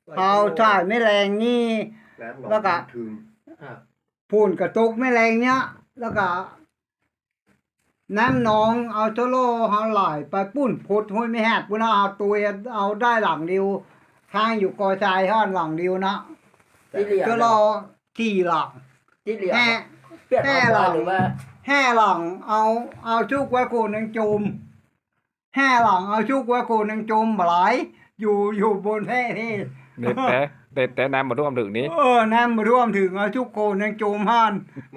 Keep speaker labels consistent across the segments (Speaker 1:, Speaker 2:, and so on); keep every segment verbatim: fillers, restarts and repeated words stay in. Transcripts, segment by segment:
Speaker 1: เอาถ่ายไม่แรงนี่แล้วก็พูนกระตุกไม่แรงเนี้ยแล้วก็น้ำหนองเอาโชโลเฮาไหลไปปุ้นพุดห้วยไม่แหกปุ้นเอาตัวเอาได้หลังเดียวข้างอยู่กอชายห้อนหลังเดียวนะโชโลขี่หลังแห่แห่หลังแห่หลังเอาเอาชุกไว้โคนนึงจุ่มแห่หลังเอาชุกไว้โคนนึงจุ่มไหลอยู่อยู่บนแห่ที่
Speaker 2: เด็ดแต่เด็ดแต่น้ำมาร่วมถึงนี้
Speaker 1: เออน้ำมาร่วมถึงเอาชุกโคนนึงจุ่มห้าน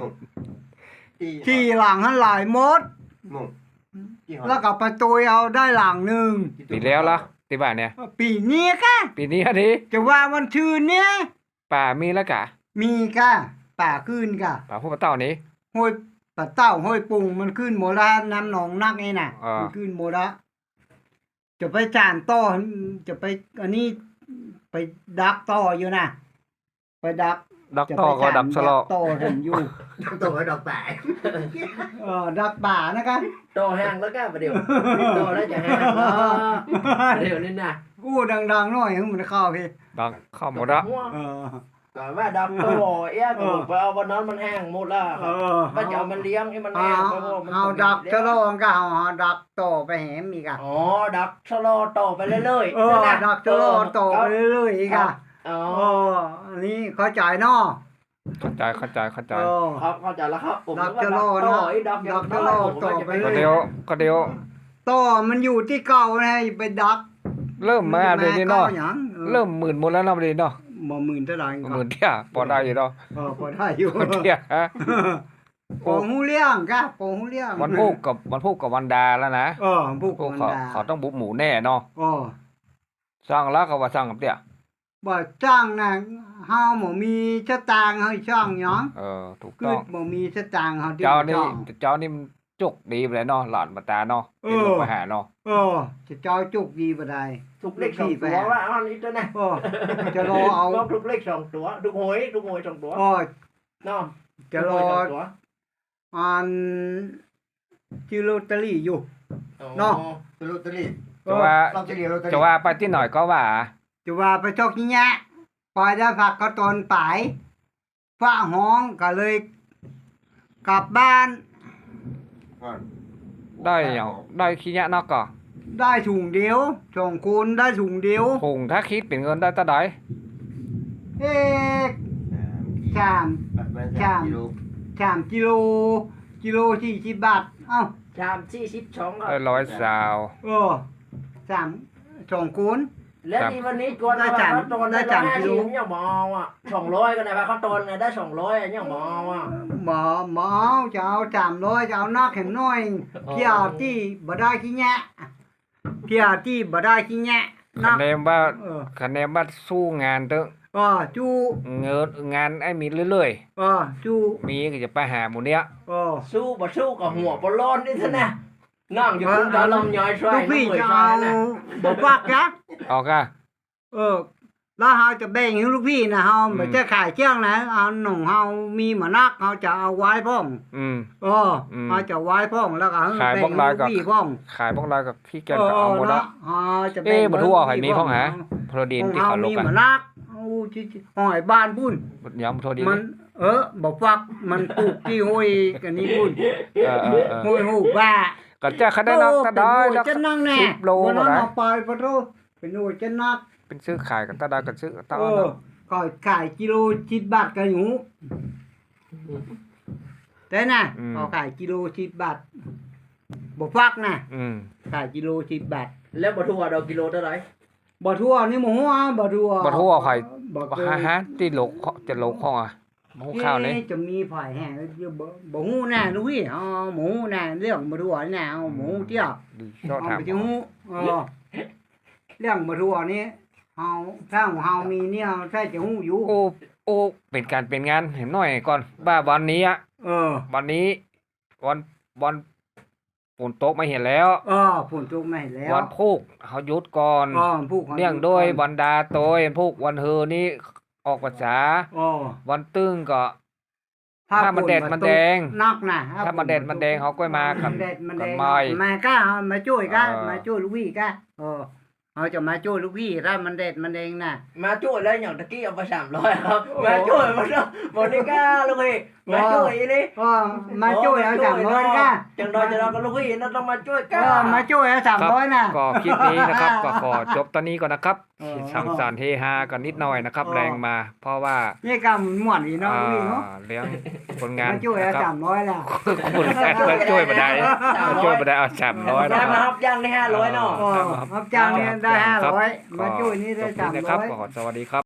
Speaker 1: ขี่หลังหันหลายมดแล้วก็ประตูเอาได้หลังหนึ่ง
Speaker 2: ปีแล้วเหรอที่บ้านเนี่ย
Speaker 1: ปีนี้ค่ะ
Speaker 2: ปีนี้อันนี้
Speaker 1: จะว่าวันชื่นเนี่ย
Speaker 2: ป่ามีแล้วกะ
Speaker 1: มีค่ะป่าขึ้นค่ะ
Speaker 2: ป่าพวกปลาเต่านี้
Speaker 1: ห้วยปลาเต่าห้วยปุงมันขึ้นหมดละน้ำหนองนักนี่น่ะมันขึ้นหมดละจะไปจานต่อจะไปอันนี้ไปดักต่ออยู่นะไปดัก
Speaker 2: ดักต่อก็ดักสลอ
Speaker 1: ต่อผมอยู่
Speaker 3: ดักต่อก็ดักป่า
Speaker 1: เออดักป่านะคะ
Speaker 3: ต่อแห้งแล้วก็ประเดี๋ยวต่อแล้วจะแห้งเดี๋ยวนี่นะ
Speaker 1: กู้ดังๆหน่อยให้มันเข้าพี่
Speaker 2: ดังเข้าหมดละ
Speaker 1: เออ
Speaker 3: แต่ว่าดักต่อเอ๊ะก็ไปเอาวันนั้นมันแห้งหมดละมันจะเอามันเลี้ยงให้มันแห้งเพราะว่า
Speaker 1: มันเอาดักชะโลงก็เอาดักต่อไปแหมอีกอ่ะ
Speaker 3: อ๋อดักชะโลต่อไปเรื่อยๆ
Speaker 1: เออดักชะโลต่อไปเรื่อยๆอีกอ่ะอ๋ออันนี้เข้าใจเนาะ
Speaker 2: เข้าใจเข้าใจเข้าใจ
Speaker 3: ครับเข้าใจแล้วครับผม
Speaker 1: ดักชะโลเนาะดักชะโลต่อไปเรื่อย
Speaker 2: ๆก็เดียวก็เดียว
Speaker 1: ต่อมันอยู่ที่เก่าไงไปดัก
Speaker 2: เริ่มมาเดี๋ยวนี้เนาะเริ่มหมื่นหมดแล้วเนาะเดี๋ยวเนาะ
Speaker 1: บ่หมื่นเท่าไหร่
Speaker 2: หมื่นเที่ยพอได้อยู่เนาะ
Speaker 1: เออพอได้อยู่
Speaker 2: เที่ยฮะ
Speaker 1: โป่งหูเลี้ยงกะโป่งหูเลี้ยง
Speaker 2: วันพุกกับวันพุกกับวันดาแล้วนะ
Speaker 1: เออพุกกับวันดา
Speaker 2: เขาต้องบุกหมูแน่เนาะ
Speaker 1: อ๋อ
Speaker 2: สร้างแล้วก็ว่าสร้างกับเตี้ย
Speaker 1: บ่จ้างน่ะเฮาบ่มีสตางค์ให้ช่างหยัง
Speaker 2: เออถูกต้อง
Speaker 1: บ่มีสตางค์เฮา
Speaker 2: เจ้านี่เจ้านี่มันจุกดีไปเลยเนาะหลานมาตาเนาะเป็นลงไปหาเนาะ
Speaker 1: เออจะเจ้าจุกดีบ่ได้
Speaker 3: ทุกเลขสองตัวว่าอันนี้ตัวนะ
Speaker 1: เออจะรอเอา
Speaker 3: ทุกเลขสองตัวทุกหวยทุกหวยสองตัว
Speaker 1: อ๋อ
Speaker 3: เนาะ
Speaker 1: จะรออันจิลอตเตอรี่อยู่เนาะ
Speaker 3: จิลอตเตอรี่
Speaker 2: จะว่าจะว่าไปที่หน่อยก็ว่า
Speaker 1: จะว่าไปชกนี้แยะปล่อยได้ผักก็ตนไปฟ้าห้องก็เลยกลับบ้าน
Speaker 2: ได้อย่างได้ขี้ยะนอกก็
Speaker 1: ได้ถุงเดียวสองคนได้ถุงเดียว
Speaker 2: ถุงถ้าคิดเป็นเงินได้เท่าไหร่
Speaker 1: เอ๊ะสามสามสามกิโลกิโลสี่สิบบาทเอ้า
Speaker 3: สามสี่สิบสอง
Speaker 2: ร้อยสาว
Speaker 1: เออสามสองคน
Speaker 3: แล้วที่วันนี้ก่อนได้จานได้จานกิโลเนี่ยหมออ่ะสองร้อยก็ได้ป่ะเขาตนไงได้สองร้อยเนี่ยหมออ่ะ
Speaker 1: หมอหมอจะเอาสามร้อยจะเอานักเห็นน้อยเพียที่บ่ได้ขี้แงะเพียที่บ่ได้ขี้แงะ
Speaker 2: คะแนนว่าคะแนนว่าสู้งานเถอะ
Speaker 1: อ๋อจู้
Speaker 2: เงินงานไอ้มีเรื่อย
Speaker 1: ๆอ๋อจู้
Speaker 2: มีก็จะไปหาหมู่เนี้ย
Speaker 1: อ๋อ
Speaker 3: สู้บ่สู้กับหัวบ่ร้อนนี่ซะนะนั่งอยู่คุณตาลำย้อยช่วย
Speaker 1: พี่จะเอาบ่ฟักนะ
Speaker 2: ออกอ่ะ
Speaker 1: เออแล้วเฮาจะแบ่งให้ลูกพี่นะเฮาบ่จะขายเชียงนะเอาหนุ่มเฮามีหมานักเฮาจะเอาไว้พ้อง
Speaker 2: อืม
Speaker 1: เออเฮาจะไว้พ้องแล้วก็
Speaker 2: ขายพวกลายกับพี่พ้องขายพวกลายกับพี่แกก็เอาหมดละ
Speaker 1: เฮาจะแบ่ง
Speaker 2: บ่ทั่วให้มีพ้องหาโปรดินที่เขาลงกัน
Speaker 1: มีหมานักเอาห้อยบ้านพุ่น
Speaker 2: ยำโปรดิน
Speaker 1: มันเออบ่ฟักมันปลูกที่ห้วยกันนี่พุ่นเออๆห้วยฮู้ว่า
Speaker 2: ก็จะคะแนนนักก็ได้
Speaker 1: จะนั่งแน่สิบโลก็ได้ไปปะโตเป็นโอ้จะนัก
Speaker 2: เป็นซื้อขายกันตาดากันซื้อตา
Speaker 1: เออก็ขายกิโลสิบบาทก็อยู่แต่น่ะเขาขายกิโลสิบบาทบ่ฟักน่ะ
Speaker 2: อืม
Speaker 1: ขายกิโลสิบบาท
Speaker 3: แล้วบ่ทั่วดอกกิโลเท่าไหร่
Speaker 1: บ่ทั่วนี่หมูอ่ะบ่ทั่ว
Speaker 2: บ่ทั่วไผบ่ฮะฮะที่โลจะโลของอ่ะหมูข้าวนี่
Speaker 1: จะมีไผแห้งอยู่บ่บ่ฮู้แน่ลูกพี่อ๋อหมูแน่เรื่องบ่ทั่วแน่เอาหมูเตี้ยเอาไปสิฮู้เออเรื่องบ่ทั่วนี่เฮาถ้าเฮามีเนี่ยถ้าจะฮู้อยู่
Speaker 2: โอ้โอ้เป็นการเป็นงานเห็นหน่อยก่อนว่าวันนี้อ่ะ
Speaker 1: เออ
Speaker 2: วันนี้วันวันฝนตกไม่เห็นแล้ว
Speaker 1: เออฝนตกไม่เห็นแล้ว
Speaker 2: วันพุกเฮาหยุดก่อน
Speaker 1: อ๋อพุก
Speaker 2: เนื่องโดยบรรดาโตยพุกวันเฮอนี้ออกภาษา
Speaker 1: อ๋อ
Speaker 2: วันตึ้งก็ถ้ามันแดดมันแดง
Speaker 1: นักน่ะ
Speaker 2: ถ้ามันแดดมันแดงเฮาก็มาครับ
Speaker 1: แดดมันแดงมาก้ามาช่วยก้ามาช่วยลูกพี่ก้าเออเขาจะมาช่วยลูกพี่ถ้ามันเด็ดมันเองน่ะ
Speaker 3: มาช่วยแล้วอย่างตะกี้เอาไปสามร้อยครับมาช่วยมันบริการลูกพี่มาช่วยนี่
Speaker 1: ก็มาช่วยเอาสามร้อยก็
Speaker 3: จังดอยจะรอกับลูกพี่นั่นต้องมาช่วย
Speaker 1: ก็
Speaker 3: กัน
Speaker 1: มาช่วยเอาสามร้อยน่ะ
Speaker 2: ก็คลิปนี้นะครับ ก็ขอจบตอนนี้ก่อนนะครับ
Speaker 1: เออ
Speaker 2: สังสรรค์เฮฮากันนิดหน่อยนะครับ
Speaker 1: เออ
Speaker 2: แรงมา เพราะว่า
Speaker 1: นี่ก็หมวนอีกเนาะพี่เนาะ
Speaker 2: อ่าเลี้ยงคนงาน
Speaker 1: มาช่วยเอา
Speaker 2: นะค
Speaker 1: สา
Speaker 2: รับ
Speaker 1: มร้อยแล้ว
Speaker 2: คนงานมาช่วยมาได้มาช่วยมาได้เอาสามร้อย
Speaker 3: ได้
Speaker 2: นะค
Speaker 3: มา
Speaker 2: รับ
Speaker 3: รับย่างได้ห้าร้อยเนาะ
Speaker 1: อ๋อรับจ้างเนี่ยได้ห้าร้อยมาช่วยนี่ได้
Speaker 2: จบ
Speaker 1: สาม
Speaker 2: นี้นะค
Speaker 1: ร้
Speaker 2: รับ
Speaker 1: อย
Speaker 2: ขอสวัสดีครับ